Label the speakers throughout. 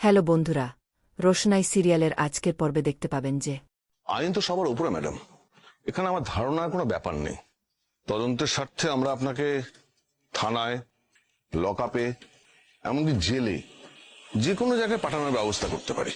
Speaker 1: Hello বন্ধুরা, রোশনাই সিরিয়ালের আজকের পর্বে দেখতে পাবেন যে
Speaker 2: আইন তো সবার উপরে ম্যাডাম। এখানে আমার ধারণার কোনো ব্যাপার নেই। তদন্তের স্বার্থে আমরা আপনাকে থানায়, লকআপে, এমনকি জেলে, যে কোনো জায়গায় পাঠানোর ব্যবস্থা করতে পারি।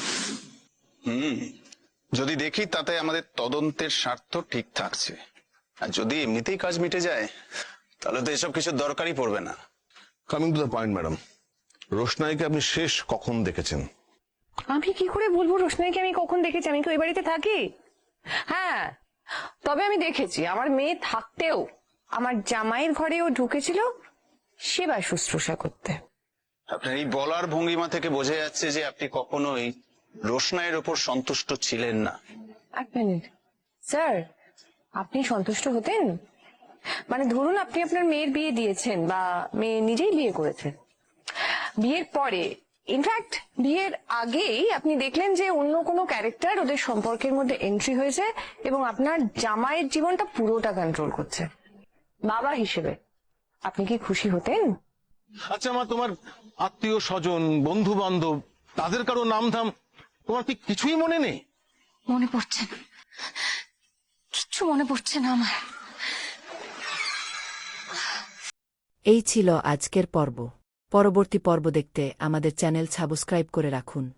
Speaker 3: যদি দেখি তাতে আমাদের তদন্তের স্বার্থ ঠিক থাকছে, আর যদি এমনিতেই কাজ মিটে যায়, তাহলে তো এসব কিছুর দরকারই পড়বে না।
Speaker 2: Coming to the point madam, রোশনাইকে আপনি শেষ কখন দেখেছেন?
Speaker 4: আমি কি করে বলবো রোশনাইকে আমি কখন দেখেছি? আমি কি ওই বাড়িতে থাকি? হ্যাঁ, তবে আমি দেখেছি আমার মেয়ে থাকতেও আমার জামাইয়ের ঘরে ও ঢুকেছিল সেবা শুশ্রূষা করতে।
Speaker 3: আপনার এই বলার ভঙ্গিমা থেকে বোঝা যাচ্ছে যে আপনি কখনোই রোশনাইয়ের ওপর সন্তুষ্ট ছিলেন না।
Speaker 4: এক মিনিট স্যার, আপনি সন্তুষ্ট হতেন? মানে ধরুন আপনি আপনার মেয়ের বিয়ে দিয়েছেন বা মেয়ে নিজেই বিয়ে করেছে, বিয়ের পরে ইনফ্যাক্ট বিয়ের আগেই আপনি দেখলেন যে অন্য কোনো ক্যারেক্টার ওদের সম্পর্কের মধ্যে এন্ট্রি হয়েছে এবং আপনার জামাইয়ের জীবনটা পুরোটা কন্ট্রোল করছে। বাবা হিসেবে আপনি কি খুশি হতেন?
Speaker 2: আচ্ছা মা, তোমার আত্মীয় স্বজন, বন্ধু বান্ধব, তাদের কারো নাম ধাম তোমার কি কিছুই মনে নেই?
Speaker 5: মনে পড়ছে না, কিচ্ছু মনে পড়ছে না আমার।
Speaker 1: এই ছিল আজকের পর্ব। পরবর্তী পর্ব দেখতে আমাদের চ্যানেল সাবস্ক্রাইব করে রাখুন।